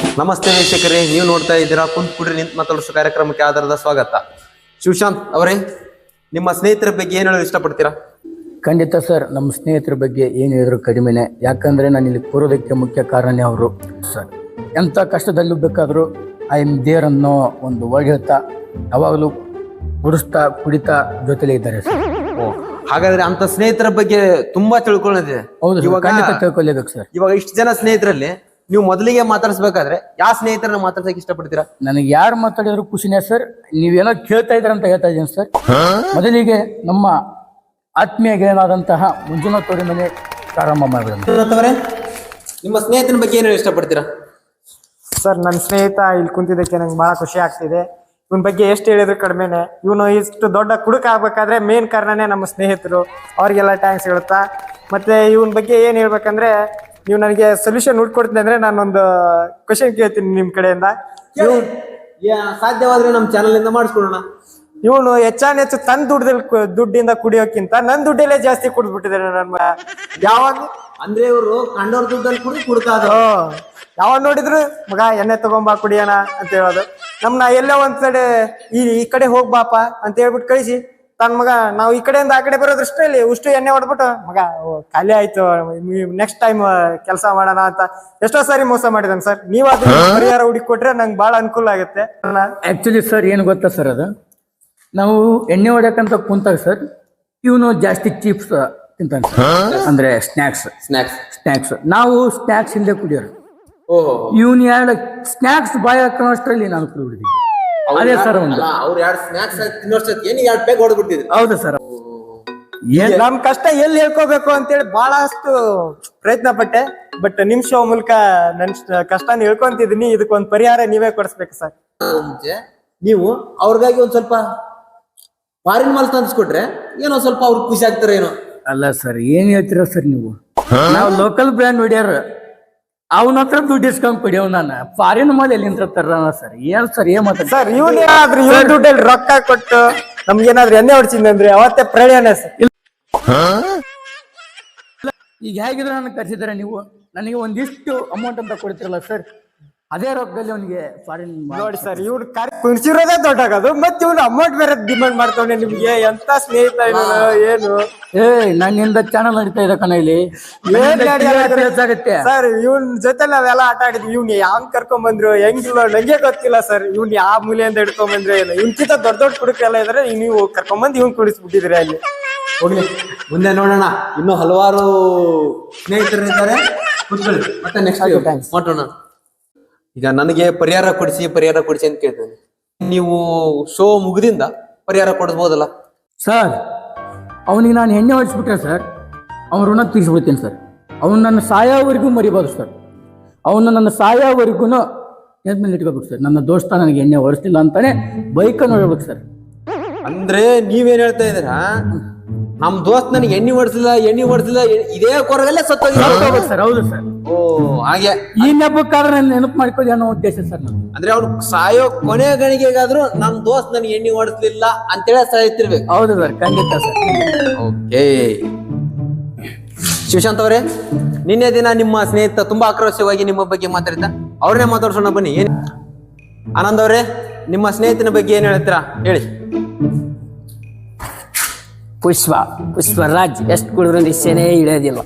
ನಮಸ್ತೆ ವೀಕ್ಷಕರೇ, ನೀವು ನೋಡ್ತಾ ಇದ್ದೀರಾ ಕುಂತ್ ಕುಡ್ರಿ ನಿಂತ್ ಮಾತಾಡೋ ಕಾರ್ಯಕ್ರಮಕ್ಕೆ ಆಧಾರದ ಸ್ವಾಗತ. ಶಿವಶಾಂತ್ ಅವರೇ, ನಿಮ್ಮ ಸ್ನೇಹಿತರ ಬಗ್ಗೆ ಏನು ಹೇಳಲು ಇಷ್ಟಪಡ್ತೀರಾ? ಖಂಡಿತ ಸರ್, ನಮ್ಮ ಸ್ನೇಹಿತರ ಬಗ್ಗೆ ಏನು ಹೇಳಿದ್ರು ಕಡಿಮೆನೆ. ಯಾಕಂದರೆ ನಾನು ಇಲ್ಲಿ ಕೂರೋದಕ್ಕೆ ಮುಖ್ಯ ಕಾರಣನೇ ಅವರು ಸರ್. ಎಂಥ ಕಷ್ಟದಲ್ಲೂ ಬೇಕಾದರೂ ಐ ಎಮ್ ದೇರ್ ಅನ್ನೋ ಒಂದು ವರ್ಡ್ ಹೇಳ್ತಾ ಯಾವಾಗಲೂ ಕುಡಿಸ್ತಾ ಕುಡಿತಾ ಜೊತೆಲೇ ಇದ್ದಾರೆ ಸರ್. ಹಾಗಾದ್ರೆ ಅಂತ ಸ್ನೇಹಿತರ ಬಗ್ಗೆ ತುಂಬಾ ತಿಳ್ಕೊಳ್ಳೋದಿದೆ. ಹೌದು, ಇವಾಗ ಖಂಡಿತ ತಿಳ್ಕೊಲೇಬೇಕು ಸರ್. ಇವಾಗ ಇಷ್ಟು ಜನ ಸ್ನೇಹಿತರಲ್ಲಿ ನೀವು ಮೊದಲಿಗೆ ಮಾತಾಡಿಸ್ಬೇಕಾದ್ರೆ ಯಾವ ಸ್ನೇಹಿತರನ್ನ ಮಾತಾಡ್ಸಕ್ಕೆ ಇಷ್ಟಪಡ್ತೀರಾ? ನನಗೆ ಯಾರು ಮಾತಾಡಿದ್ರು ಖುಷಿನೇ ಸರ್. ನೀವೇನೋ ಕೇಳ್ತಾ ಇದ್ರ ಅಂತ ಹೇಳ್ತಾ ಇದ್ದೀನಿ ಸರ್. ಮೊದಲಿಗೆ ನಮ್ಮ ಆತ್ಮೀಯ ಗೆಳೆಯನಾದಂತಹ ಮಂಜುನಾಥ್ ತೋಡಿ ಮನೆ ಪ್ರಾರಂಭ ಮಾಡಿದ್ರು. ನಿಮ್ಮ ಸ್ನೇಹಿತನ ಬಗ್ಗೆ ಏನು ಇಷ್ಟಪಡ್ತೀರಾ? ಸರ್, ನನ್ನ ಸ್ನೇಹಿತ ಇಲ್ಲಿ ಕುಂತಿದ್ದಕ್ಕೆ ನಂಗೆ ಭಾಳ ಖುಷಿ ಆಗ್ತಿದೆ. ಇವನ ಬಗ್ಗೆ ಎಷ್ಟು ಹೇಳಿದ್ರು ಕಡಿಮೆನೆ. ಇವನು ಇಷ್ಟು ದೊಡ್ಡ ಕುಡುಕ ಆಗ್ಬೇಕಾದ್ರೆ ಮೇನ್ ಕಾರಣನೇ ನಮ್ಮ ಸ್ನೇಹಿತರು. ಅವ್ರಿಗೆಲ್ಲ ಥ್ಯಾಂಕ್ಸ್ ಹೇಳುತ್ತಾ, ಮತ್ತೆ ಇವನ ಬಗ್ಗೆ ಏನು ಹೇಳ್ಬೇಕಂದ್ರೆ, ನೀವು ನನಗೆ ಸೊಲ್ಯೂಷನ್ ಹುಡ್ಕೊಡ್ತೀನಿ ಅಂದ್ರೆ ನಾನೊಂದು ಕ್ವಶನ್ ಕೇಳ್ತೀನಿ ನಿಮ್ಮ ಕಡೆಯಿಂದ. ಸಾಧ್ಯವಾದ್ರೆ ನಮ್ಮ ಚಾನಲ್ ಇಂದ ಮಾಡಿಸ್ಕೊಡೋಣ. ಇವನು ಹೆಚ್ಚು ತನ್ನ ದುಡ್ಡಿಂದ ಕುಡಿಯೋಕ್ಕಿಂತ ನನ್ನ ದುಡ್ಡಲ್ಲೇ ಜಾಸ್ತಿ ಕುಡಿದ್ಬಿಟ್ಟಿದ್ದಾರೆ. ನನ್ನ ಯಾವಾಗ ಅಂದ್ರೆ ಇವರು ಕಂಡವ್ರ ದುಡ್ಡಲ್ಲಿ ಕುಡ್ಕಾದ್ರು. ಯಾವಾಗ ನೋಡಿದ್ರು ಮಗ ಎಣ್ಣೆ ತಗೊಂಬಾ ಕುಡಿಯೋಣ ಅಂತ ಹೇಳೋದು. ನಮ್ನ ಎಲ್ಲೋ ಒಂದ್ ಕಡೆ ಈ ಕಡೆ ಹೋಗ್ಬಾಪ ಅಂತ ಹೇಳ್ಬಿಟ್ಟು ಕಳಿಸಿ ತನ್ನ ಮಗ ನಾವು ಈ ಕಡೆಯಿಂದ ಆ ಕಡೆ ಬರೋದ್ರಷ್ಟರಲ್ಲಿ ಉಷ್ಟು ಎಣ್ಣೆ ಹೊಡ್ಬಿಟ್ಟು ಮಗ ಖಾಲಿ ಆಯ್ತು, ನೆಕ್ಸ್ಟ್ ಟೈಮ್ ಕೆಲಸ ಮಾಡೋಣ ಅಂತ ಎಷ್ಟೋ ಸಾರಿ ಮೋಸ ಮಾಡಿದಾನೆ ಸರ್. ನೀವು ಅದನ್ನ ಪರಿಹಾರ ಹುಡುಕಿ ಕೊಟ್ರೆ ನಂಗೆ ಬಹಳ ಅನುಕೂಲ ಆಗುತ್ತೆ. ಆಕ್ಚುಲಿ ಸರ್ ಏನು ಗೊತ್ತಾ ಸರ್, ಅದು ನಾವು ಎಣ್ಣೆ ಹೊಡ್ಯಕಂತ ಕುಂತಾಗ ಸರ್ ಇವನು ಜಾಸ್ತಿ ಚಿಪ್ಸ್ ತಿಂತಾನೆ ಅಂದ್ರೆ ಸ್ನ್ಯಾಕ್ಸ್. ನಾವು ಸ್ನ್ಯಾಕ್ಸ್ ಇಲ್ಲದೆ ಕುಡಿಯೋರು. ಇವನ್ ಎರಡು ಸ್ನ್ಯಾಕ್ಸ್ ಬಾಯ್ ಹಾಕೋಷ್ಟರಲ್ಲಿ ನಾನು ಕುಡಿಬಿಡ್ತಿದ್ದೆ. ಅದೇ ಸರ್ ಒಂದು ಹೌದು ಸರ್. ನಮ್ ಕಷ್ಟ ಎಲ್ಲಿ ಹೇಳ್ಕೋಬೇಕು ಅಂತೇಳಿ ಬಹಳಷ್ಟು ಪ್ರಯತ್ನ ಪಟ್ಟೆ. ಬಟ್ ನಿಮ್ ಶೋ ಮೂಲಕ ನನ್ ಕಷ್ಟನ ಹೇಳ್ಕೊಂತಿದೀನಿ. ಇದಕ್ಕೊಂದು ಪರಿಹಾರ ನೀವೇ ಕೊಡಿಸ್ಬೇಕು ಸರ್. ನೀವು ಅವ್ರಿಗಾಗಿ ಒಂದ್ ಸ್ವಲ್ಪ ಫಾರಿನ್ ಮಾಲ್ ತಂದ್ಸ್ಕೊಟ್ರೆ ಏನೋ ಸ್ವಲ್ಪ ಅವ್ರಿಗೆ ಖುಷಿ ಆಗ್ತಾರೆ ಏನೋ. ಅಲ್ಲ ಸರ್, ಏನ್ ಹೇಳ್ತೀರ ಸರ್ ನೀವು? ನಾವು ಲೋಕಲ್ ಬ್ರ್ಯಾಂಡ್ ಹೊಡ್ಯಾರ, ಅವನ ಹತ್ರ ದುಡ್ಡು ಇಸ್ಕೊಂಡ್ ಕುಡಿಯವ್. ನಾನು ಫಾರಿನ್ ಮಾಲ್ ಎಲ್ಲಿಂದ ತರ ಸರ್? ಏನ್ ಸರ್ ಏನ್ ಮಾತಾಡ ಸರ್, ಇವನೇನಾದ್ರೂ ಇವ್ರ ದುಡ್ಡಲ್ಲಿ ರೊಕ್ಕ ಕೊಟ್ಟು ನಮ್ಗೇನಾದ್ರೂ ಎಣ್ಣೆ ಹೊಡ್ಸಿದ್ರೆ ಅವತ್ತೇ ಪ್ರಳಯನೇ ಸರ್. ಈಗ ಹೇಗಿದ್ರೆ ನನಗೆ ಕರ್ಸಿದಾರೆ ನೀವು, ನನಗೆ ಒಂದಿಷ್ಟು ಅಮೌಂಟ್ ಅಂತ ಕೊಡ್ತಿರಲ್ಲ ಸರ್, ಅದೇ ರೊಕ್ಕದಲ್ಲಿ ಅವನಿಗೆ ಫಾರಿನ್ ನೋಡಿ ಸರ್. ಇವ್ನು ಕುಣಿಸಿರೋದೇ ದೊಡ್ಡಾಗದು, ಮತ್ತೆ ಇವ್ನು ಅಮೌಂಟ್ ಬೇರೆ ಡಿಮಾಂಡ್ ಮಾಡ್ತಾವನೆ. ನಿಮ್ಗೆ ಎಂತ ಸ್ನೇಹಿತ ಏನು? ನನ್ನಿಂದ ಚಾನಲ್ ನಡೀತಾ ಇದೆ ಕಣ ಇಲ್ಲಿ. ಸರ್, ಇವನ್ ಜೊತೆ ನಾವೆಲ್ಲ ಆಟ ಆಡಿದ್ವಿ. ಇವ್ನ ಯಾವ್ ಕರ್ಕೊಂಡ್ ಬಂದ್ರು ಹೆಂಗಿಲ್ಲ ನಂಗೆ ಗೊತ್ತಿಲ್ಲ ಸರ್. ಇವ್ನ್ ಯಾವ ಮೂಲೆಯಿಂದ ಹಿಡ್ಕೊಂಡ್ ಬಂದ್ರೆ ಏನು? ಇವ್ಕಿಂತ ದೊಡ್ಡ ಕುಡುಕರೆಲ್ಲ ಇದ್ರೆ ನೀವು ಕರ್ಕೊಂಡ್ಬಂದು ಇವ್ನ್ ಕುಡಿಸ್ಬಿಟ್ಟಿದ್ರಿ ಅಲ್ಲಿ. ಹೋಗ್ಲಿ, ಮುಂದೆ ನೋಡೋಣ. ಇನ್ನೂ ಹಲವಾರು ಸ್ನೇಹಿತರಿದ್ದಾರೆ, ಮತ್ತೆ ನೆಕ್ಸ್ಟ್ ಮಾಡೋಣ. ಈಗ ನನಗೆ ಪರಿಹಾರ ಕೊಡಿಸಿ ಅಂತ ಕೇಳ್ತೇನೆ. ನೀವು ಶೋ ಮುಗಿದಿಂದ ಪರಿಹಾರ ಕೊಡಿಸ್ಬೋದಲ್ಲ ಸರ್? ಅವನಿಗೆ ನಾನು ಎಣ್ಣೆ ಹೊಡಿಸ್ಬಿಟ್ರೆ ಸರ್ ಅವ್ನ ಋಣ ತೀರಿಸ್ಬಿಡ್ತೀನಿ ಸರ್. ಅವನು ನನ್ನ ಸಾಯೋವರೆಗೂ ಮರಿಬೋದು ಸರ್. ಅವನು ನನ್ನ ಸಾಯೋವರೆಗೂ ಮೇಲೆ ಇಟ್ಕೋಬೇಕು ಸರ್. ನನ್ನ ದೋಸ್ತ ನನಗೆ ಎಣ್ಣೆ ಹೊಡಿಸ್ತಿಲ್ಲ ಅಂತಾನೆ ಬೈಕನ್ನು ನೋಡ್ಬೇಕು ಸರ್. ಅಂದ್ರೆ ನೀವೇನ್ ಹೇಳ್ತಾ ಇದ್ದೀರಾ? ನಮ್ ದೋಸ್ತ್ ನನಗೆ ಎಣ್ಣೆ ಹೊಡಿಸಿಲ್ಲ ಇದೇ ಕೊರಗಲ್ಲೇ ಸತ್ತೋಗಿ ಸರ್. ಹೌದು ಸರ್. ಓ ಹಾಗೆ ಈ ನೆಪಕ್ಕಾದ್ರೆ ನಾನು ನೆನಪು ಮಾಡ್ಕೊಳ್ಳಿ ಅನ್ನೋ ಉದ್ದೇಶ ಸರ್. ಅಂದ್ರೆ ಅವ್ರು ಸಾಯೋ ಕೊನೆ ಗಣಿಗೆಗಾದ್ರು ನಮ್ ದೋಸ್ತ್ ನನಗೆ ಎಣ್ಣೆ ಹೊಡಿಸ್ಲಿಲ್ಲ ಅಂತೇಳಿ ಸಾಯ್ತಿರ್ಬೇಕು. ಹೌದು ಸರ್, ಖಂಡಿತ ಸರ್. ಓಕೆ ಶಿವಶಾಂತ್ ಅವರೇ, ನಿನ್ನೆ ದಿನ ನಿಮ್ಮ ಸ್ನೇಹಿತ ತುಂಬಾ ಆಕ್ರೋಶವಾಗಿ ನಿಮ್ಮ ಬಗ್ಗೆ ಮಾತಾಡಿದ್ದ, ಅವ್ರನ್ನೇ ಮಾತಾಡ್ಸೋಣ ಬನ್ನಿ. ಆನಂದ್ ಅವರೇ, ನಿಮ್ಮ ಸ್ನೇಹಿತನ ಬಗ್ಗೆ ಏನ್ ಹೇಳ್ತೀರಾ ಹೇಳಿ. ಪುಷ್ಪರಾಜ್ ಎಷ್ಟು ಕುಡಿದ್ರು ನಿಶ್ಚಯನೇ ಇಳಿಯೋದಿಲ್ಲ.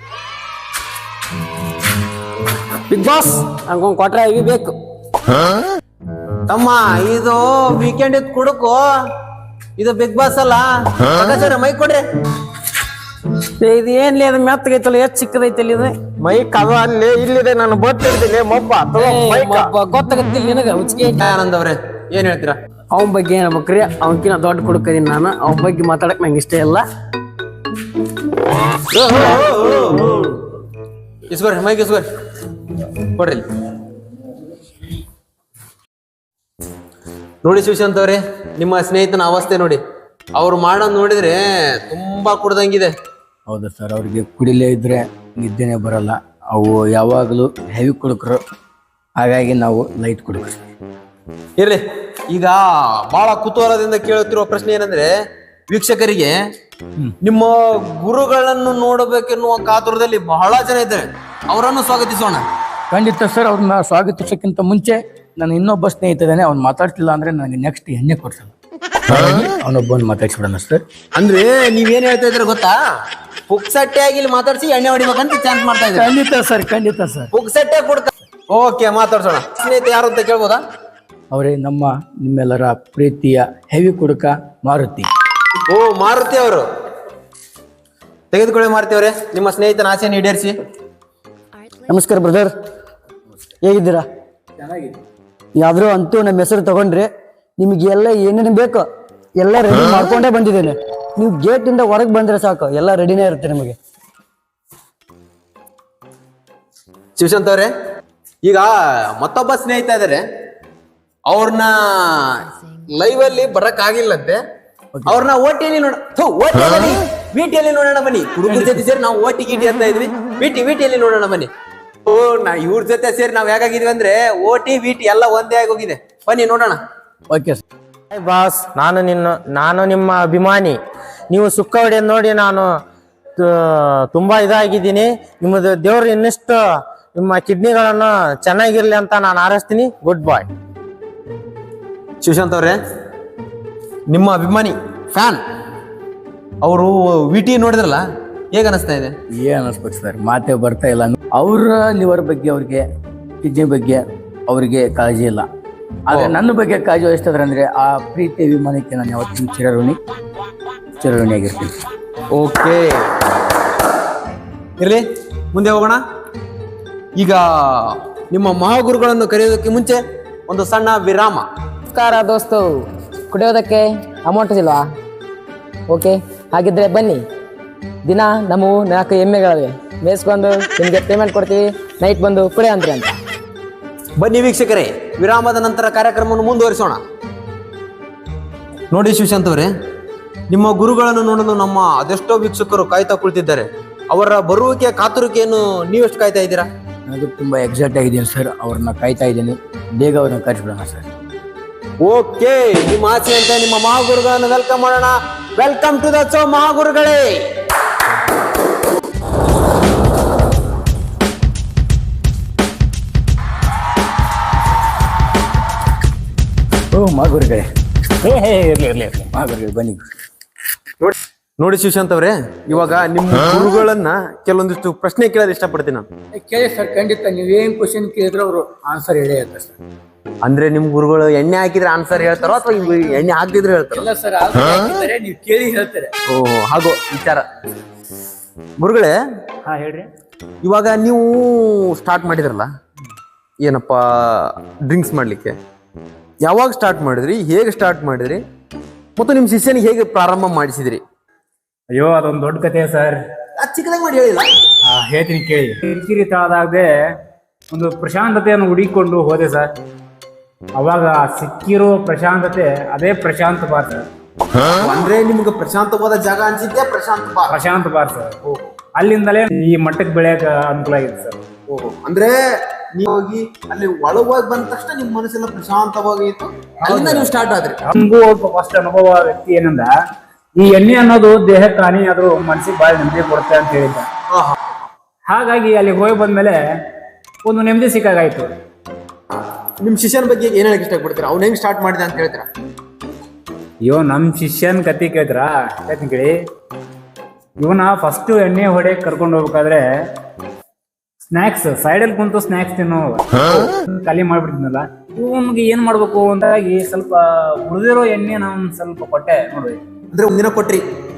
ಬಿಗ್ ಬಾಸ್ ಹಂಗೊಂದು ಕೊಟ್ರೆ ಬೇಕು ತಮ್ಮ. ಇದು ವೀಕೆಂಡ್ ಇದ್ ಕುಡುಕು, ಇದು ಬಿಗ್ ಬಾಸ್ ಅಲ್ಲ. ಮೈ ಕೊಡ್ರಿ. ಇದು ಏನ್ಲಿ ಅದು ಮೆತ್ತಗೈತಲ್ಲ, ಎಷ್ಟು ಚಿಕ್ಕದೈತಲ್ಲ ಇದು ಮೈಕ್. ಅದು ಅಲ್ಲಿ ಇಲ್ಲಿದೆ, ನಾನು ಗೊತ್ತಿರ್ತೀನಿ. ಗೊತ್ತಾಗತ್ತಿಲ್ಲ ನಿನಗ ಹುಚ್ಚಿಗೆ. ಆನಂದ್ ಅವ್ರೆ ಏನ್ ಹೇಳ್ತೀರಾ? ಅವನ ಬಗ್ಗೆ ಏನ್ ಹೇಳ್ಬೇಕ್ರಿ? ಅವನಕಿನ ದೊಡ್ಡ ಕುಡುಕದೀನಿ ನಾನು. ಅವನ ಬಗ್ಗೆ ಮಾತಾಡಕ್ ನಂಗೆ ಇಷ್ಟ ಇಲ್ಲ. ಇಸ್ಕೊರಿ ಮೈಕ್ ಇಸ್ಕೊರಿ, ಕೊಡ್ರಿ. ನೋಡಿ ಶಿವಶಾಂತ್ ಅವ್ರೆ, ನಿಮ್ಮ ಸ್ನೇಹಿತನ ಅವಸ್ಥೆ ನೋಡಿ. ಅವ್ರು ಮಾಡೋದ್ ನೋಡಿದ್ರೆ ತುಂಬಾ ಕುಡ್ದಂಗಿದೆ. ಹೌದು ಸರ್, ಅವ್ರಿಗೆ ಕುಡಿಲೇ ಇದ್ರೆ ನಿದ್ದೆನೆ ಬರಲ್ಲ. ಅವು ಯಾವಾಗಲೂ ಹೆವಿ ಕುಡುಕರು, ಹಾಗಾಗಿ ನಾವು ಲೈಟ್ ಕುಡುಕರು. ಇರ್ಲಿ, ಈಗ ಬಹಳ ಕುತೂಹಲದಿಂದ ಕೇಳುತ್ತಿರುವ ಪ್ರಶ್ನೆ ಏನಂದ್ರೆ, ವೀಕ್ಷಕರಿಗೆ ನಿಮ್ಮ ಗುರುಗಳನ್ನು ನೋಡಬೇಕೆನ್ನುವ ಕಾತುರದಲ್ಲಿ ಬಹಳ ಜನ ಇದ್ದಾರೆ. ಅವರನ್ನು ಸ್ವಾಗತಿಸೋಣ. ಖಂಡಿತ ಸರ್, ಅವ್ರನ್ನ ಸ್ವಾಗತಿಸೋಕ್ಕಿಂತ ಮುಂಚೆ ನಾನು ಇನ್ನೊಬ್ಬ ಸ್ನೇಹಿತ ಇದ್ದಾನೆ, ಅವ್ನು ಮಾತಾಡ್ತಿಲ್ಲ ಅಂದ್ರೆ ನನಗೆ ನೆಕ್ಸ್ಟ್ ಎಣ್ಣೆ ಕೊಡ್ಸಲ್ಲ. ಅವನೊಬ್ಬನ ಮಾತಾಡ್ಸ್ಬಿಡೋಣ ಸರ್. ಅಂದ್ರೆ ನೀವೇನ್ ಹೇಳ್ತಾ ಇದ್ರ ಗೊತ್ತಾ? ಪುಕ್ಸಟ್ಟೆ ಆಗಿ ಇಲ್ಲಿ ಮಾತಾಡ್ಸಿ ಎಣ್ಣೆ ಹೊಡಿಬೇಕಂತ ಚಾನ್ಸ್ ಮಾಡ್ತಾ ಇದ್ದಾರೆ. ಖಂಡಿತ ಸರ್, ಖಂಡಿತ ಸರ್. ಪುಕ್ಸಟ್ಟೆ ಕೊಡ್ತಾ. ಓಕೆ, ಮಾತಾಡ್ಸೋಣ. ಸ್ನೇಹಿತ ಯಾರು ಅಂತ ಕೇಳ್ಬೋದಾ? ಅವರೇ ನಿಮ್ಮೆಲ್ಲರ ಪ್ರೀತಿಯ ಹೆವಿ ಕುಡುಕ ಮಾರುತಿ. ಓ, ಮಾರುತಿ ಅವರು. ತೆಗೆದುಕೊಳ್ಳಿ ಮಾರುತಿ ಅವರೇ, ನಿಮ್ಮ ಸ್ನೇಹಿತನ ಆಸೆಯನ್ನು ಈಡೇರಿಸಿ. ನಮಸ್ಕಾರ ಬ್ರದರ್, ಹೇಗಿದ್ದೀರಾ? ಯಾವ್ದಾರು ಅಂತೂ ನಮ್ಮ ಹೆಸರು ತಗೊಂಡ್ರಿ, ನಿಮಗೆ ಎಲ್ಲ ಏನೇನು ಬೇಕೋ ಎಲ್ಲ ರೆಡಿ ಮಾಡ್ಕೊಂಡೇ ಬಂದಿದ್ದೇನೆ. ನೀವು ಗೇಟ್ ಇಂದ ಹೊರಗೆ ಬಂದ್ರೆ ಸಾಕು, ಎಲ್ಲ ರೆಡಿನೇ ಇರುತ್ತೆ ನಿಮಗೆ. ಶಿವಶಾಂತ್ ಅವರೇ, ಈಗ ಮತ್ತೊಬ್ಬ ಸ್ನೇಹಿತ ಇದಾರೆ, ಅವ್ರನ್ನ ಲೈವ್ ಅಲ್ಲಿ ಬರಕ್ ಆಗಿಲ್ಲಂತೆ. ಅವ್ರನ್ನ ಓಟಿಯಲ್ಲಿ ವಿಟಿಯಲ್ಲಿ ನೋಡೋಣ ಬನ್ನಿ. ಹುಡುಗರ ಜೊತೆ ಸೇರಿ ನಾವು ಓಟಿ ಗಿಟಿ ಅಂತ ಇದ್ವಿ, ವಿಟಿಯಲ್ಲಿ ನೋಡೋಣ ಬನ್ನಿ. ಓ, ಇವ್ರ ಜೊತೆ ಸೇರಿ ನಾವ್ ಹೇಗಾಗಿದ್ವಿ ಅಂದ್ರೆ ಓಟಿ ವಿಟಿ ಎಲ್ಲ ಒಂದೇ ಆಗೋಗಿದೆ. ಬನ್ನಿ ನೋಡೋಣ. Okay sir. ಬಾಸ್, ನಾನು ನಿಮ್ಮ ಅಭಿಮಾನಿ. ನೀವು ಸುಕ್ಕ ಹೊಡೆಯೋದು ನೋಡಿ ನಾನು ತುಂಬಾ ಇದಾಗಿದ್ದೀನಿ. ನಿಮ್ಮದು ದೇವ್ರು ಇನ್ನಿಷ್ಟು ನಿಮ್ಮ ಕಿಡ್ನಿಗಳನ್ನು ಚೆನ್ನಾಗಿರ್ಲಿ ಅಂತ ನಾನು ಹಾರೈಸ್ತೀನಿ. ಗುಡ್ ಬಾಯ್. ಶಿವಶಾಂತ್ ಅವ್ರೆ, ನಿಮ್ಮ ಅಭಿಮಾನಿ ಫ್ಯಾನ್ ಅವರು ವಿಟಿ ನೋಡಿದ್ರಲ್ಲ, ಹೇಗ ಅನಿಸ್ತಾ ಇದೆ? ಏನ್ ಅನಿಸ್ಬೇಕು ಸರ್, ಮಾತೇ ಬರ್ತಾ ಇಲ್ಲ. ಅವ್ರ ಲಿವರ್ ಬಗ್ಗೆ, ಅವ್ರಿಗೆ ಕಿಡ್ನಿ ಬಗ್ಗೆ ಅವ್ರಿಗೆ ಕಾಳಜಿ ಇಲ್ಲ, ಆದ್ರೆ ನನ್ನ ಬಗ್ಗೆ ಕಾಳಜಿ ವಹಿಸ್ತಿದ್ರೆ ಅಂದ್ರೆ ಆ ಪ್ರೀತಿ ಅಭಿಮಾನಕ್ಕೆ ನಾನು ಯಾವತ್ತಿನ ಚಿರಋಣಿಯಾಗಿರ್ತೀನಿ. ಓಕೆ, ಇರ್ಲಿ, ಮುಂದೆ ಹೋಗೋಣ. ಈಗ ನಿಮ್ಮ ಮಹಾಗುರುಗಳನ್ನು ಕರೆಯೋದಕ್ಕೆ ಮುಂಚೆ ಒಂದು ಸಣ್ಣ ವಿರಾಮ. ನಮಸ್ಕಾರ ದೋಸ್ತು, ಕುಡಿಯೋದಕ್ಕೆ ಅಮೌಂಟ್ ಇಲ್ವಾ? ಓಕೆ, ಹಾಗಿದ್ರೆ ಬನ್ನಿ. ದಿನ ನಮ್ಮ 4 ಎಮ್ಮೆಗಳಿವೆ, ಮೇಯಿಸ್ಕೊಂಡು ನಿಮಗೆ ಪೇಮೆಂಟ್ ಕೊಡ್ತೀವಿ. ನೈಟ್ ಬಂದು ಕುಡಿ ಅಂದ್ರಿ ಅಂತ. ಬನ್ನಿ ವೀಕ್ಷಕರೇ, ವಿರಾಮದ ನಂತರ ಕಾರ್ಯಕ್ರಮವನ್ನು ಮುಂದುವರಿಸೋಣ. ನೋಡಿ ಶಿವಶಾಂತ್ ಅವರೇ, ನಿಮ್ಮ ಗುರುಗಳನ್ನು ನೋಡಲು ನಮ್ಮ ಅದೆಷ್ಟೋ ವೀಕ್ಷಕರು ಕಾಯ್ತಾ ಕುಳಿತಿದ್ದಾರೆ. ಅವರ ಬರುವಿಕೆ ಕಾತುರಿಕೆಯನ್ನು ನೀವೆಷ್ಟು ಕಾಯ್ತಾ ಇದ್ದೀರಾ? ನನಗೂ ತುಂಬಾ ಎಕ್ಸೈಟ್ ಆಗಿದ್ದೀನಿ ಸರ್, ಅವ್ರನ್ನ ಕಾಯ್ತಾ ಇದ್ದೀನಿ. ಬೇಗ ಅವ್ರನ್ನ ಕರೆಸ್ಬಿಡೋಣ ಸರ್. ಓಕೆ, ನಿಮ್ಮ ಆಸೆ ಅಂತ ನಿಮ್ಮ ಮಹಾಗುರುಗಳನ್ನು ವೆಲ್ಕಮ್ ಮಾಡೋಣ. ವೆಲ್ಕಮ್ ಟು ದ ಶೋ ಮಹಾಗುರುಗಳೇ. ಓ ಮಹಾಗುರುಗಳೇ, ಇರ್ಲಿ ಮಹಾಗುರುಗಳೇ ಬನ್ನಿ. ನೋಡಿ ಶಿವಶಾಂತ್ ಅವರೇ, ಇವಾಗ ನಿಮ್ಮ ಗುರುಗಳನ್ನ ಕೆಲವೊಂದಿಷ್ಟು ಪ್ರಶ್ನೆ ಕೇಳೋದು ಇಷ್ಟಪಡ್ತೀನಿ ನಾನು. ಕೇಳಿ ಸರ್, ಖಂಡಿತ ನೀವೇನ್ ಕ್ವಶನ್ ಕೇಳಿದ್ರೆ ಅವರು ಆನ್ಸರ್ ಹೇಳೇ ಇರ್ತಾರೆ ಸರ್. ಅಂದ್ರೆ ನಿಮ್ ಗುರುಗಳು ಎಣ್ಣೆ ಹಾಕಿದ್ರೆ ಆನ್ಸರ್ ಹೇಳ್ತಾರೋ ಅಥವಾ ಎಣ್ಣೆ ಹಾಕಿದ್ರೆ ಹೇಳ್ತಾರೋ? ಇಲ್ಲ ಸರ್, ನೀವು ಕೇಳಿ ಹೇಳ್ತಾರೆ. ಓಹೋ, ಹಾಗೋ ವಿಚಾರ. ಗುರುಗಳೇ, ಹಾ ಹೇಳ್ರಿ. ಇವಾಗ ನೀವು ಸ್ಟಾರ್ಟ್ ಮಾಡಿದ್ರಲ್ಲ, ಏನಪ್ಪಾ ಡ್ರಿಂಕ್ಸ್ ಮಾಡ್ಲಿಕ್ಕೆ, ಯಾವಾಗ ಸ್ಟಾರ್ಟ್ ಮಾಡಿದ್ರಿ, ಹೇಗೆ ಸ್ಟಾರ್ಟ್ ಮಾಡಿದ್ರಿ, ಮತ್ತು ನಿಮ್ ಶಿಷ್ಯನಿಗೆ ಹೇಗೆ ಪ್ರಾರಂಭ ಮಾಡಿಸಿದ್ರಿ? ಅಯ್ಯೋ, ಅದೊಂದು ದೊಡ್ಡ ಕಥೆ ಸರ್. ಚಿಕ್ಕದಾಗಿ ಮಾಡಿ ಹೇಳಿಲ್ಲ. ಹೇಳ್ತೀನಿ ಕೇಳಿ. ಕಿರಿಕಿರಿ ತಾಳದಾಗದೆ ಒಂದು ಪ್ರಶಾಂತತೆಯನ್ನು ಹುಡುಕಿಕೊಂಡು ಹೋದೆ ಸರ್. ಅವಾಗ ಸಿಕ್ಕಿರೋ ಪ್ರಶಾಂತತೆ ಅದೇ ಪ್ರಶಾಂತ ಬಾರ್ ಸರ್. ಅಂದ್ರೆ ನಿಮ್ಗೆ ಪ್ರಶಾಂತವಾದ ಜಾಗ ಅನ್ಸಿದ್ದೆ ಪ್ರಶಾಂತ ಬಾರ್ ಸರ್. ಅಲ್ಲಿಂದಲೇ ಈ ಮಟ್ಟಕ್ಕೆ ಬೆಳೆಯಕ ಅನುಕೂಲ ಆಗಿದೆ ಸರ್. ಓಹೋ, ಅಂದ್ರೆ ನೀವು ಹೋಗಿ ಅಲ್ಲಿ ಒಳಗೋಗಿ ಬಂದ ತಕ್ಷಣ ನಿಮ್ ಮನಸ್ಸೆಲ್ಲ ಪ್ರಶಾಂತವಾಗಿ ಇತ್ತು, ಅಲ್ಲಿಂದ ನೀವು ಸ್ಟಾರ್ಟ್ ಆದ್ರಿ. ನಮಗೂ ಫಸ್ಟ್ ಅನುಭವ ವ್ಯಕ್ತಿ ಏನಂದ, ಈ ಎಣ್ಣೆ ಅನ್ನೋದು ದೇಹಕ್ಕೆ ಹಾನಿ ಆದ್ರೂ ಮನಸ್ಸಿಗೆ ಬಾಳ ನೆಮ್ಮದಿ ಕೊಡುತ್ತೆ ಅಂತ ಹೇಳಿದ್ದ. ಹಾಗಾಗಿ ಅಲ್ಲಿ ಹೋಗಿ ಬಂದ್ಮೇಲೆ ಒಂದು ನೆಮ್ಮದಿ ಸಿಕ್ಕಾಗಾಯ್ತು. ನಿಮ್ ಶಿಷ್ಯನ ಬಗ್ಗೆ ಏನ್ ಹೇಳಕ್ ಇಷ್ಟಪಡ್ತೀರಾ? ಅವ್ನು ಹೆಂಗ್ ಸ್ಟಾರ್ಟ್ ಮಾಡಿದ ಅಂತ ಹೇಳ್ತೀರಾ? ಅಯ್ಯೋ, ನಮ್ ಶಿಷ್ಯನ್ ಕತಿ ಕೇಳ್ತೀರಾ? ಹೇಳ್ತೀನಿ ಕೇಳಿ. ಇವನ ಫಸ್ಟ್ ಎಣ್ಣೆ ಹೊಡೆಯಕ್ ಕರ್ಕೊಂಡು ಹೋಗ್ಬೇಕಾದ್ರೆ ಸ್ನಾಕ್ಸ್ ಸೈಡಲ್ಲಿ ಕುಂತು ಸ್ನಾಕ್ಸ್ ತಿನ್ನೋ ಖಾಲಿ ಮಾಡ್ಬಿಡ್ತೀನಲ್ಲ, ಇವನ್ಗೆ ಏನ್ ಮಾಡ್ಬೇಕು ಅಂತಾಗಿ ಸ್ವಲ್ಪ ಉಳಿದಿರೋ ಎಣ್ಣೆ ನಾನು ಸ್ವಲ್ಪ ಕೊಟ್ಟೆ ನೋಡಿ. ಅಂದ್ರೆ ಒಂದಿನ ಕೊಟ್ರಿ?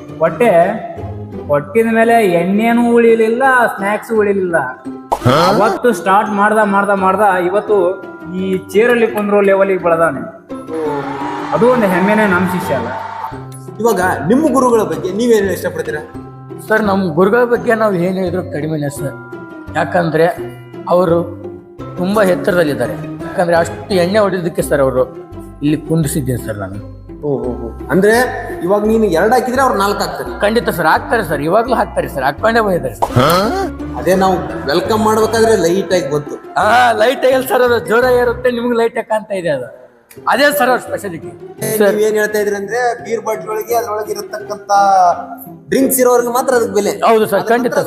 ಕೊಟ್ಟಿದ ಮೇಲೆ ಎಣ್ಣೆನೂ ಉಳಿಲಿಲ್ಲ, ಸ್ನಾಕ್ಸ್ ಉಳಿಲಿಲ್ಲ. ಅವತ್ತು ಸ್ಟಾರ್ಟ್ ಮಾಡ್ದ ಇವತ್ತು ಈ ಚೇರಲ್ಲಿ ಕುಂದ್ರೋ ಲೆವೆಲಿಗೆ ಬೆಳೆದಾನೆ. ಅದು ಒಂದು ಹೆಮ್ಮೆನೆ ನಮ್ಮ ಶಿಷ್ಯ ಅಲ್ಲ. ಇವಾಗ ನಿಮ್ಮ ಗುರುಗಳ ಬಗ್ಗೆ ನೀವೇನು ಇಷ್ಟಪಡ್ತೀರಾ? ಸರ್, ನಮ್ಮ ಗುರುಗಳ ಬಗ್ಗೆ ನಾವು ಏನು ಹೇಳಿದ್ರು ಕಡಿಮೆನೇ ಸರ್. ಯಾಕಂದ್ರೆ ಅವರು ತುಂಬಾ ಎತ್ತರದಲ್ಲಿದ್ದಾರೆ. ಯಾಕಂದ್ರೆ ಅಷ್ಟು ಎಣ್ಣೆ ಹೊಡೆಯೋದಕ್ಕೆ ಸರ್ ಅವರು ಇಲ್ಲಿ ಕುಂದಿಸಿದ್ದೀನಿ ಸರ್ ನಾನು. ಓಹೋ, ಅಂದ್ರೆ ಇವಾಗ ನೀನು 2 ಹಾಕಿದ್ರೆ ಅವ್ರು 4 ಹಾಕ್ತಾರೆ? ಖಂಡಿತ ಸರ್, ಹಾಕ್ತಾರೆ ಸರ್, ಇವಾಗ್ಲೂ ಹಾಕ್ತಾರೆ ಸರ್, ಹಾಕೊಂಡೇ ಬಂದಿದ್ದಾರೆ ಸರ್. ಅದೇ ನಾವು ವೆಲ್ಕಮ್ ಮಾಡ್ಬೇಕಾದ್ರೆ ಲೈಟ್ ಆಗಿ ಬಂತು. ಲೈಟ್ ಆಗಿಲ್ಲ ಸರ್, ಅದು ಜೋರಾಗಿ ಇರುತ್ತೆ, ನಿಮ್ಗೆ ಲೈಟ್ ಕಾಣ್ತಾ ಇದೆ. ಅದು ಅದೇ ಸರ್ ಅವ್ರ ಸ್ಪೆಷಾಲಿಟಿ. ನೀವ್ ಏನ್ ಹೇಳ್ತಾ ಇದ್ರಿ ಅಂದ್ರೆ ಬೀರ್ ಬಾಟ್ಲಿ ಒಳಗೆ ಅದ್ರೊಳಗೆ ಇರತಕ್ಕಂತ ಡ್ರಿಂಕ್ಸ್ ಇರೋರ್ಗೆ ಮಾತ್ರ ಅದಕ್ಕೆ ಬೆಲೆ. ಹೌದು ಸರ್, ಖಂಡಿತ ಸರ್.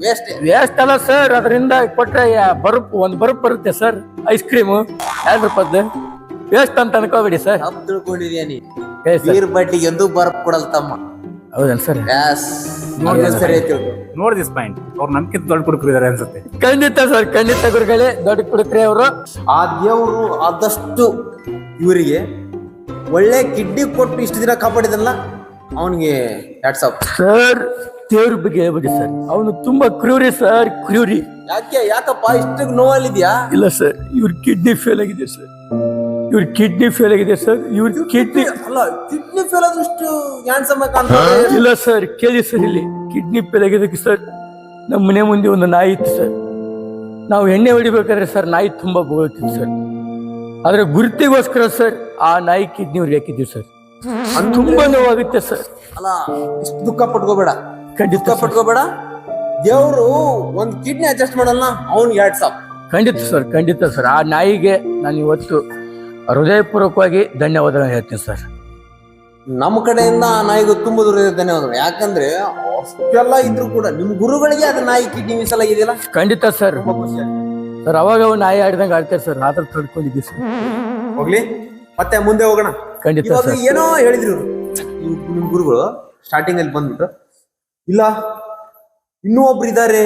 ವೇಸ್ಟ್. ವೇಸ್ಟ್ ಅಲ್ಲ ಸರ್, ಅದರಿಂದ ಕೊಟ್ರೆ ಒಂದು ಬರುಪ್ ಬರುತ್ತೆ ಸರ್. ಐಸ್ ಕ್ರೀಮು 2 ರೂಪಾಯ್ದು ವೇಸ್ಟ್ ಅಂತ ಅನ್ಕೋಬೇಡಿ ಸರ್. ತಪ್ಪು ತಿಳ್ಕೊಂಡಿದ್ಯಾ ನೀ. ಏ ಸರ್, ಬೀರ್ ಬಟ್ಟಿಗೆ ಎಂದೂ ಬರಪ್ ಕೊಡಲ್ ತಮ್ಮ. ಹೌದನ್ ಸರ್? Yes. ನೋಡಿ ಸರಿ ಆಯ್ತು. ನೋಡ್ ದಿಸ್ ಪಾಯಿಂಟ್, ಅವ್ರು ನಮ್ಕಿಂತ ದೊಡ್ಡ ಕುಡುಕರಿದ್ದಾರೆ ಅನ್ಸುತ್ತೆ. ಖಂಡಿತ ಸರ್, ಖಂಡಿತ ಗುರುಗಳೇ, ದೊಡ್ಡ ಕುಡುಕ್ರೆ ಅವರು. ಆ ದೇವ್ರು ಆದಷ್ಟು ಇವರಿಗೆ ಒಳ್ಳೆ ಕಿಡ್ನಿ ಕೊಟ್ಟು ಇಷ್ಟು ದಿನ ಕಾಪಾಡಿದಲ್ಲ, ಅವನಿಗೆ ಹ್ಯಾಟ್ಸ್ ಆಫ್. ಸರ್ ದೇವ್ರ ಬಗ್ಗೆ ಹೇಳ್ಬೇಡಿ ಸರ್, ಅವನು ತುಂಬಾ ಕ್ರೂರಿ ಸರ್, ಕ್ರೂರಿ. ಯಾಕಪ್ಪ ಇಷ್ಟು ನೋವಲ್ಲಿದ್ಯಾ? ಇಲ್ಲ ಸರ್, ಇವ್ರ ಕಿಡ್ನಿ ಫೇಲ್ ಆಗಿದೆ ಸರ್, ಇವ್ರ ಕಿಡ್ನಿ ಫೇಲ್ ಆಗಿದೆ ಸರ್, ಇವ್ರ ಕಿಡ್ನಿ ಅಲ್ಲ, ಕಿಡ್ನಿ ಫೇಲ್ ಆದ್ರೂ ಇಷ್ಟು ಹ್ಯಾಂಡ್ಸಮ್ ಆಗಿ ಕಾಣ್ತಾರೆ. ಇಲ್ಲ ಸರ್, ಕೇಳಿ ಸರ್, ಇಲ್ಲಿ ಕಿಡ್ನಿ ಫೇಲ್ ಆಗಿದ್ದಕ್ಕೆ ಸರ್, ನಮ್ಮ ಮನೆ ಮುಂದೆ ಒಂದು ನಾಯಿ ಇತ್ತು ಸರ್. ನಾವು ಎಣ್ಣೆ ಹೊಡಿಬೇಕಾದ್ರೆ ಸರ್ ನಾಯಿ ತುಂಬಾ ಬೋಳ್ತಿತ್ತು ಸರ್. ಆದ್ರೆ ಗುರುತಿಗೋಸ್ಕರ ಸರ್ ಆ ನಾಯಿ ಕಿಡ್ನಿ ಅವ್ರಿಗೆ ಹಾಕಿದ್ದೀವಿ ಸರ್. ತುಂಬಾ ನೋವಾಗುತ್ತೆ ಸರ್. ಅಲ್ಲ, ಇಷ್ಟು ದುಃಖ ಪಟ್ಕೋಬೇಡ, ಖಂಡಿತ ದುಃಖ ಪಟ್ಕೋಬೇಡ. ದೇವ್ರು ಒಂದ್ ಕಿಡ್ನಿ ಅಡ್ಜಸ್ಟ್ ಮಾಡಲ್ಲ, ಅವ್ನಿಗೆ ಹ್ಯಾಟ್ಸ್ ಆಫ್. ಖಂಡಿತ ಸರ್, ಖಂಡಿತ ಸರ್. ಆ ನಾಯಿಗೆ ನಾನು ಇವತ್ತು ಹೃದಯಪೂರ್ವಕವಾಗಿ ಧನ್ಯವಾದ ಹೇಳ್ತೀನಿ ಸರ್. ನಮ್ಮ ಕಡೆಯಿಂದ ಆ ನಾಯಿಗೂ ತುಂಬಾ ದೂರ ಧನ್ಯವಾದಗಳು. ಯಾಕಂದ್ರೆ ಅಷ್ಟೆಲ್ಲ ಇದ್ರು ಕೂಡ ನಿಮ್ ಗುರುಗಳಿಗೆ ಅದು ನಾಯಿ ಕಿಡ್ನಿ ಮೀಸಲಾಗಿದೆಯಲ್ಲ. ಖಂಡಿತ ಸರ್. ಸರ್ ಅವಾಗ ಅವು ನಾಯಿ ಆಡ್ದಂಗೆ ಆಡ್ತಾರೆ ಸರ್, ಆತರ ತಡ್ಕೊಂಡಿದ್ದೀವಿ ಸರ್. ಹೋಗ್ಲಿ, ಮತ್ತೆ ಮುಂದೆ ಹೋಗೋಣ. ಖಂಡಿತ ಇವಾಗ ಸರ್. ಏನೋ ಹೇಳಿದ್ರು ಇವ್ರು, ನಿಮ್ ಗುರುಗಳು ಸ್ಟಾರ್ಟಿಂಗ್ ಅಲ್ಲಿ ಬಂದ್ಬಿಟ್ಟು, ಇಲ್ಲ ಇನ್ನೂ ಒಬ್ರು ಇದಾರೆ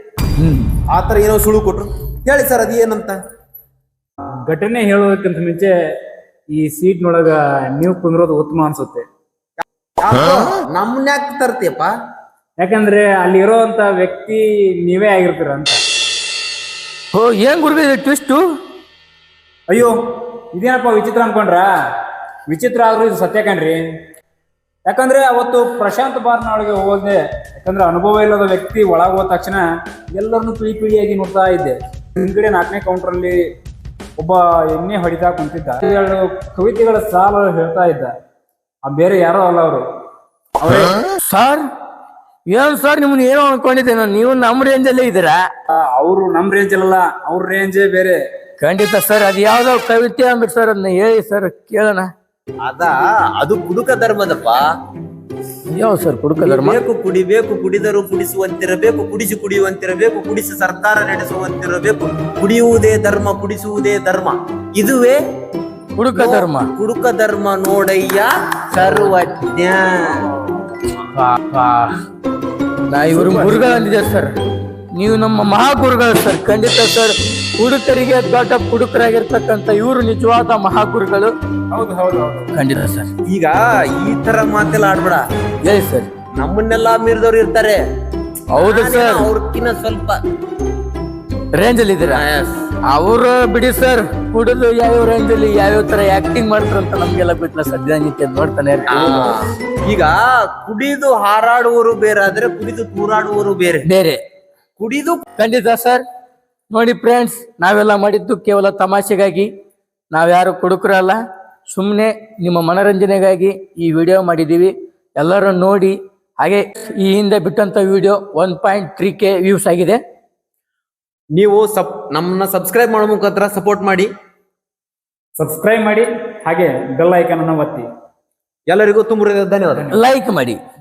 ಆತರ ಏನೋ ಸುಳು ಕೊಟ್ರು. ಹೇಳಿ ಸರ್, ಅದು ಏನಂತ? ಘಟನೆ ಹೇಳೋದಕ್ಕಿಂತ ಮುಂಚೆ ಈ ಸೀಟ್ನೊಳಗ ನೀವು ಕುಂದ್ರೋದು ಉತ್ತಮ ಅನ್ಸುತ್ತೆ. ನಮ್ಮನ್ನ ಯಾಕೆ ತರ್ತೀಯಪ್ಪ? ಯಾಕಂದ್ರೆ ಅಲ್ಲಿ ಇರೋಂತ ವ್ಯಕ್ತಿ ನೀವೇ ಆಗಿರ್ತೀರ ಅಂತ. ಓ, ಏನ್ ಗುರುಗಳು ಟ್ವಿಸ್ಟು? ಅಯ್ಯೋ, ಇದೇನಪ್ಪ ವಿಚಿತ್ರ ಅನ್ಕೊಂಡ್ರ? ವಿಚಿತ್ರ ಆದ್ರೂ ಇದು ಸತ್ಯ ಕಣ್ರಿ. ಯಾಕಂದ್ರೆ ಅವತ್ತು ಪ್ರಶಾಂತ್ ಬಾರ್ನ ಒಳಗೆ ಹೋದೆ. ಯಾಕಂದ್ರೆ ಅನುಭವ ಇಲ್ಲದ ವ್ಯಕ್ತಿ ಒಳಗೆ ಹೋದ ತಕ್ಷಣ ಎಲ್ಲರನ್ನು ಪಿಳಿಯಾಗಿ ನೋಡ್ತಾ ಇದ್ದೆ. ಹಿಂದ್ಗಡೆ 4ನೇ ಕೌಂಟರ್ ಒಬ್ಬ ಎಣ್ಣೆ ಹೊಡಿತಾ ಕುಂತಿದ್ದ. 2 ಕವಿತೆಗಳ ಸಾಲು ಹೇಳ್ತಾ ಇದ್ದ. ಬೇರೆ ಯಾರೋ ಅಲ್ಲ ಅವರು. ಸರ್ ಏನ್ ಸರ್, ನಿಮ್ನ ಏನೋ ಅನ್ಕೊಂಡಿದ್ದೆ ನಾನು. ನೀವು ನಮ್ಮ ರೇಂಜಲ್ಲೇ ಇದ್ದೀರಾ? ಅವರು ನಮ್ ರೇಂಜ್ ಅಲ್ಲ, ಅವ್ರ ರೇಂಜೇ ಬೇರೆ. ಖಂಡಿತ ಸರ್. ಅದು ಯಾವ್ದೋ ಕವಿತೆ ಅಂದ್ರಿ ಸರ್, ಅದನ್ನ ಹೇಳಿ ಸರ್, ಕೇಳೋಣ. ಅದು ಕುಡುಕ ಧರ್ಮದಪ್ಪ. ಯಾವ ಸರ್ ಕುಡುಕ ಧರ್ಮ? ಕುಡಿಬೇಕು, ಕುಡಿದರು ಕುಡಿಸುವಂತಿರಬೇಕು, ಕುಡಿಸಿ ಕುಡಿಯುವಂತಿರಬೇಕು, ಕುಡಿಸಿ ಸರ್ಕಾರ ನಡೆಸುವಂತಿರಬೇಕು. ಕುಡಿಯುವುದೇ ಧರ್ಮ, ಕುಡಿಸುವುದೇ ಧರ್ಮ. ಇದುವೇ ಕುಡುಕ ಧರ್ಮ. ಕುಡುಕ ಧರ್ಮ ನೋಡಯ್ಯ ಸರ್ವಜ್ಞ. ನಾ ಇವರು ಗುರುಗಳಂದಿದೆ ಸರ್, ನೀವು ನಮ್ಮ ಮಹಾಗುರುಗಳು ಸರ್. ಖಂಡಿತ ಸರ್, ಕುಡುಕರಿಗೆ ದೊಡ್ಡ ಕುಡುಕರಾಗಿರ್ತಕ್ಕಂಥ ಇವರು ನಿಜವಾದ ಮಹಾಗುರುಗಳು. ಹೌದು ಹೌದು ಹೌದು, ಖಂಡಿತ ಸರ್. ಈಗ ಈ ತರ ಮಾತೆಲ್ಲ ಆಡ್ಬೇಡ. ಹೇಳಿ ಸರ್. ನಮ್ಮನ್ನೆಲ್ಲಾ ಮೀರಿದವ್ರು ಇರ್ತಾರೆ. ಹೌದು ಸರ್, ಅವ್ರಕ್ಕಿನ್ನ ಸ್ವಲ್ಪ ರೇಂಜ್ ಅಲ್ಲಿ ಇದ್ದೀರಾ. ಅವರು ಬಿಡಿ ಸರ್, ಕುಡಿದು ಯಾವ್ಯಾವ ರೇಂಜ್ ಅಲ್ಲಿ ಯಾವ್ಯಾವ ತರ ಆಕ್ಟಿಂಗ್ ಮಾಡ್ತಾರ ಅಂತ ನಮ್ಗೆಲ್ಲ ಗೊತ್ತಿಲ್ಲ. ಸದ್ಯ ನಿತ್ಯ ನೋಡ್ತಾನೆ ಈಗ ಕುಡಿದು ಹಾರಾಡುವವರು ಬೇರೆ ಆದ್ರೆ ಕುಡಿದು ತೂರಾಡುವವರು ಬೇರೆ ಬೇರೆ. ಕುಡಿದು ಖಂಡಿತ ಸರ್. ನೋಡಿ ಫ್ರೆಂಡ್ಸ್, ನಾವೆಲ್ಲ ಮಾಡಿದ್ದು ಕೇವಲ ತಮಾಷೆಗಾಗಿ. ನಾವ್ಯಾರು ಕುಡುಕರಲ್ಲ, ಸುಮ್ಮನೆ ನಿಮ್ಮ ಮನರಂಜನೆಗಾಗಿ ಈ ವಿಡಿಯೋ ಮಾಡಿದ್ದೀವಿ. ಎಲ್ಲರೂ ನೋಡಿ. ಹಾಗೆ ಈ ಹಿಂದೆ ಬಿಟ್ಟಂತ ವಿಡಿಯೋ 1.3K ವ್ಯೂಸ್ ಆಗಿದೆ. ನೀವು ನಮ್ಮನ್ನ ಸಬ್ಸ್ಕ್ರೈಬ್ ಮಾಡೋ ಮುಖಾಂತರ ಸಪೋರ್ಟ್ ಮಾಡಿ. ಸಬ್ಸ್ಕ್ರೈಬ್ ಮಾಡಿ, ಹಾಗೆ ಬೆಲ್ ಐಕಾನ್ ಅನ್ನು ಒತ್ತಿ. ಎಲ್ಲರಿಗೂ ತುಂಬ ಧನ್ಯವಾದ. ಲೈಕ್ ಮಾಡಿ.